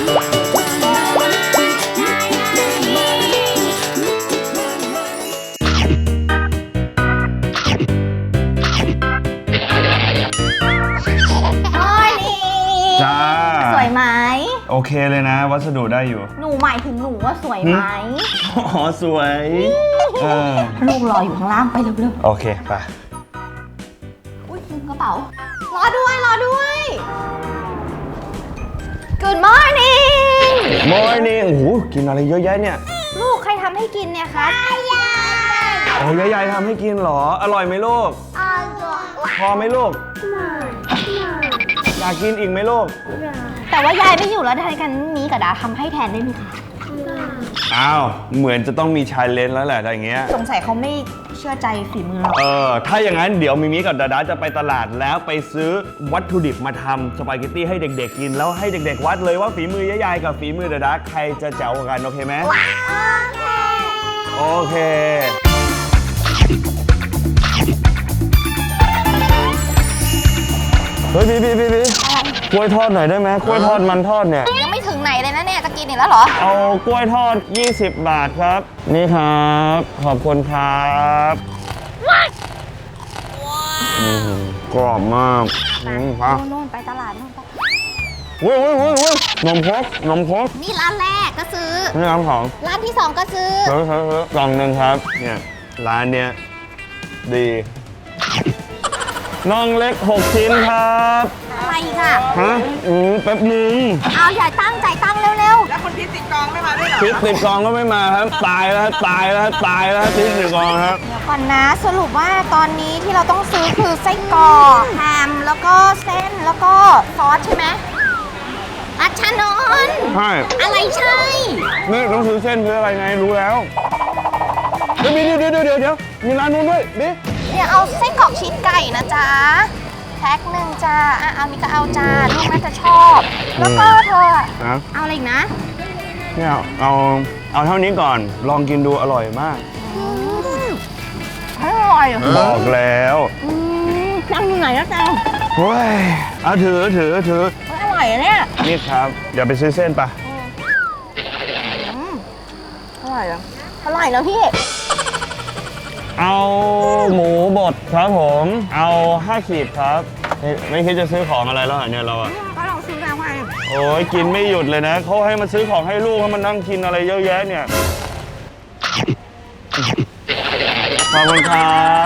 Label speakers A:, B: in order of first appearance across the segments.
A: จ้า
B: สวยไหม
A: โอเคเลยนะวัสดุได้อยู่
B: หนูหมายถึงหนูว่าสวยไหม
A: อ๋อสวย
B: ลูกรออยู่ข้างล่างไปเร็ว
A: โอเคไป
B: อุ้ยลืมกระเป๋ารอด้วยGood morning
A: Morning โอ้โหกินอะไรเยอะแยะเนี่ย
B: ลูกใครทำให้กินเนี่ยคะยาย
A: โอ้ยายทำให้กินเหรออร่อยไหมลูก
B: อร่อย
A: พอไหมลูกอยากกินอีกไหมลูก
B: แต่ว่ายายไม่อยู่แล้วทางกันมีกับดาทำให้แทนได้ไหมคะ
A: อ้าวเหมือนจะต้องมีชาเลนจ์แล้วแหละอะไรเงี้ย
B: สงสัยเขาไม่เชื่อใจฝีมือเรา
A: ถ้าอย่างนั้นเดี๋ยวมิมิกับดาดาจะไปตลาดแล้วไปซื้อวัตถุดิบมาทำสปาเกตตี้ให้เด็กๆกินแล้วให้เด็กๆวัดเลยว่าฝีมือยายกับฝีมือดาดาใครจะแจ๋วกว่ากันโอเคไหมโอเคเฮ้ยพี่กล้วยทอดหน่อยได้ไหมกล้วยทอดมันทอดเนี่ย
B: ยังไม่ถึงไหนเลยนะเนี่ยจะกินอีกแล้วเหรอ
A: เอากล้วยทอด20 บาทครับนี่ครับขอบคุณครับกรอบมาก
B: โน่นไปตลาดโน่นไป
A: เว้ยนมครก
B: นี่ร้านแรกก็ซื้อ
A: นี่ร้านของ
B: ร้านที่2ก็ซื้
A: อกล่องหนึ่งครับเนี่ยร้านเนี้ยดีน่องเล็ก6 ชิ้นครับ
B: อะไรค่ะ
A: แป๊บนึง
B: เอาอย่าตั้งใจตั้งเร็ว
C: แล้วคนที่ติดกองไม่มาด้วยเหรอ
A: ติดกองก็ไม่มาครับตายแล้วติดกองครับ
B: เดี๋ยวก่อนนะสรุปว่าตอนนี้ที่เราต้องซื้อคือไส้กรอกแฮมแล้วก็เส้นแล้วก็ซอสใช่ไหมรัชนนท์
A: ใช่
B: อะไรใช่
A: นี่ต้องซื้อเส้นซื้ออะไรไงรู้แล้วเดี๋ยวมีร้านนู้นด้วยบิ๊
B: เนี่ยเอาไส้กรอกชีสไก่นะจ๊ะแพ็คหนึ่งจ้าเอามีก็เอาจ้าลูกน่าจะชอบแล้วก็เธอเอาอะไรอีกนะ
A: เนี่ยเอาเท่านี้ก่อนลองกินดูอร่อยมาก
B: อร่อย
A: บอกแล้ว
B: นั่งอยู่ไหนนะจ๊ะ
A: เฮ้ยเอาถือ
B: อร่อยเนี่ย
A: นี่ครับเดี๋ยวไปซื้อเส้นปะ
B: อร่อยแล้วพี่
A: เอาหมูบดครับผมเอา5 ขีดครับไม่คิดจะซื้อของอะไรแล้วเหรอเนี่ยเราอะ
B: ก็ลองซื้อแล้วไง
A: โอ้ยกินไม่หยุดเลยนะเขาให้มาซื้อของให้ลูกให้มันนั่งกินอะไรเยอะแยะเนี่ยขอบคุณครับ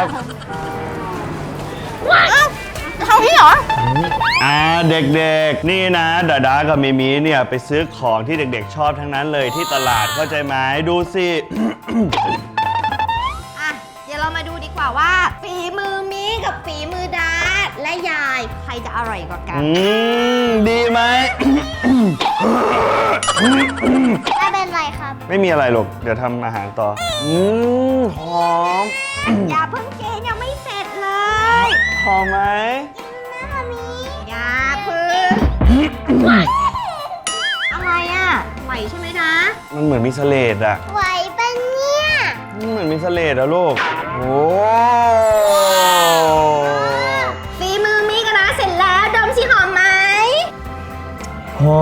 B: เท่านี้เหรอ
A: เด็กๆนี่นะดาดากับมิมิเนี่ยไปซื้อของที่เด็กๆชอบทั้งนั้นเลยที่ตลาดเข้าใจไหมดูสิ
B: เดี๋ยวเรามาดูดีกว่าว่าฝีมือมีกับฝีมือดาและยายใครจะอร่อยกว่ากัน
A: ดีไหม
B: ไม่เป็นไรครับ
A: ไม่มีอะไรหรอกเดี๋ยวทำอาหารต่อหอม
B: อย่าเพิ่งกินยังไม่เสร็จเลย
A: หอมไหม
B: กินนะมีอย่าเพิ่งอะไรอ่ะไหวใช่ไหมนะ
A: มันเหมือนมีเสลดอะ
B: ไหวปะเนี่ย
A: มันเหมือนมีเสลดอะลูกโอ้
B: ฝีมือมีกันนะเสร็จแล้วดมสิหอมไหม
A: หอ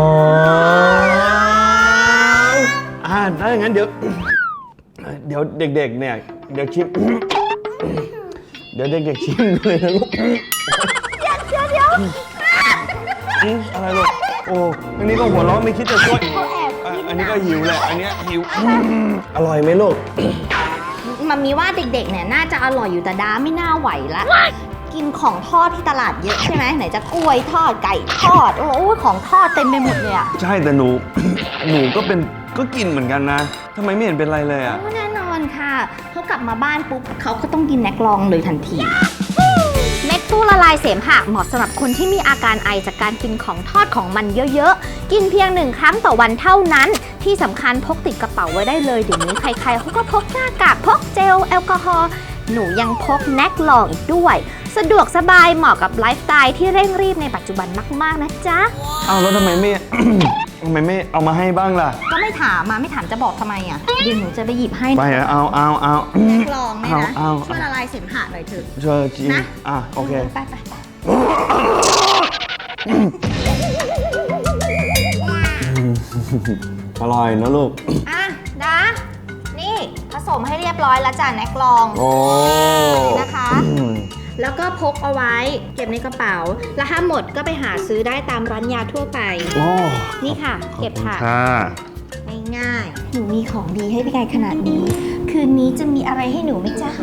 A: มถ้าอย่างนั้นเดี๋ยวเด็กๆเนี่ยเดี๋ยวชิมเดี๋ยวเด็กๆชิมเลยนะลูก
B: เดี๋ยว
A: อะไรลูกโอ้อันนี้ก็หัวเราะไม่คิดจะช่วยอันนี้ก็หิวแหละอันนี้หิวอร่อยไหมลูก
B: มันมีว่าเด็กๆเนี่ยน่าจะอร่อยอยู่แต่ดาไม่น่าไหวละกินของทอดที่ตลาดเยอะใช่ไหมไหนจะกล้วยทอดไก่ทอดโอ้ยของทอดเต็มไปหมดเลยอะ
A: ใช่แต่หนูก็กินเหมือนกันนะทำไมไม่เห็นเป็นไรเลยอะ
B: แน่นอนค่ะเขากลับมาบ้านปุ๊บเขาก็ต้องกินแน็กลองเลยทันทีเม็ดฟูละลายเสมหะเหมาะสำหรับคนที่มีอาการไอจากการกินของทอดของมันเยอะๆกินเพียง1 ครั้งต่อวันเท่านั้นที่สำคัญพกติดกระเป๋าไว้ได้เลยเดี๋ยวนี้ใครๆเขาก็พกหน้ากากพกเจลแอลกอฮอล์หนูยังพกแน็กลองอีกด้วยสะดวกสบายเหมาะกับไลฟ์สไตล์ที่เร่งรีบในปัจจุบันมากๆนะจ๊ะ
A: แล้วทำไมไม่เอามาให้บ้างล่ะ
B: ก็ไม่ถามจะบอกทำไมอ่ะเดี๋ยวหนูจะไปหยิบให้
A: ไปเอา
B: แน็กลองไหมนะช่วยละลายเสมหะหน่อยเถอะ
A: ช่วยจริงนะโอเค
B: ไป
A: อร่อยนะลูก
B: อ่ะดานี่ผสมให้เรียบร้อยแล้วจ้ะแน็กลอง
A: โอ้
B: นะคะ แล้วก็พกเอาไว้เก็บในกระเป๋า แล้วถ้าหมดก็ไปหาซื้อได้ตามร้านยาทั่วไป
A: โอ้
B: นี่ค่ะ เก็บค่ะ
A: ค่ะ
B: ง่ายๆหนูมีของดีให้พี่กายขนาดนี้ คืนนี้จะมีอะไรให้หนูไหมจ๊ะ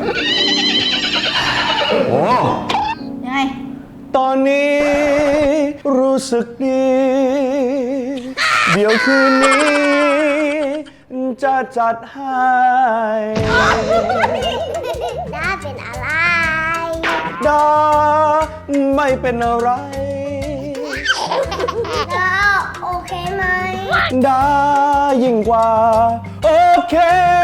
A: โอ้
B: ยังไง
A: ตอนนี้รู้สึกดี เดี๋ยวคืนนี้ จะจัดให้
B: ด้าเป็นอะไร
A: ดาไม่เป็นอะไร
B: ด้าโอเคไหม
A: ดายิ่งกว่า โอเค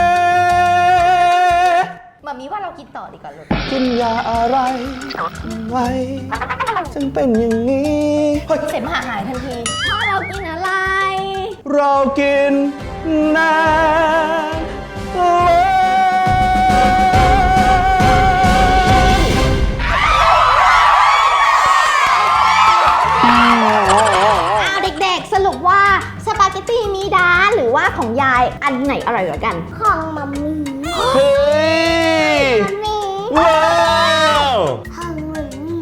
B: มามีว่าเรากินต่อดีกว่าลูก
A: กินยาอะไรไว้จึงเป็นอย่างนี้เฮ้ย
B: เสมหะหายทันทีพ่อเรากินอะไร
A: เรากินน้ำเลย
B: เด็กๆ สรุปว่าสปาเกตตี้มีดาหรือว่าของยายอันไหนอร่อยกว่ากัน ของมัมมี่
A: เฮ้ย
B: มัมมี่
A: ว้าว
B: ของมัมมี่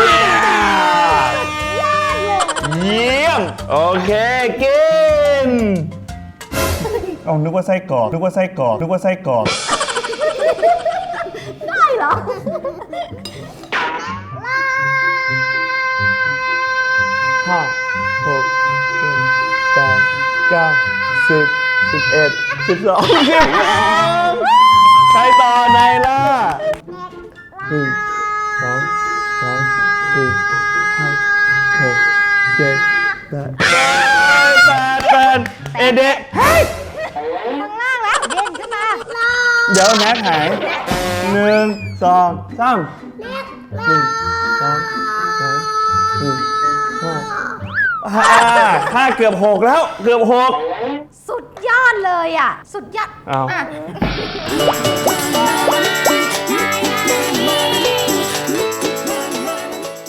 A: เยี่ยมโอเคกินเอานึกว่าไส้กรอกนึกว่าไส้กรอกนึกว่าไส้กรอก
B: ได้เหรอ
A: ห้าหกเจ็ดแปดเก้า10 11 12 13ใครต่อไหนล่ะ1 2 3 4 5 6 7 8 เอเดะเฮ้ย
B: ข้างล่างแล้วเด่นขึ้นมา
A: เดี๋ยวแม็กหาย1 2 3 1 2 3 5 เกือบ6แล้วเกือบ6
B: สุดยอดเลยอ่ะ สุดยอด
A: เอา
B: อ่ะ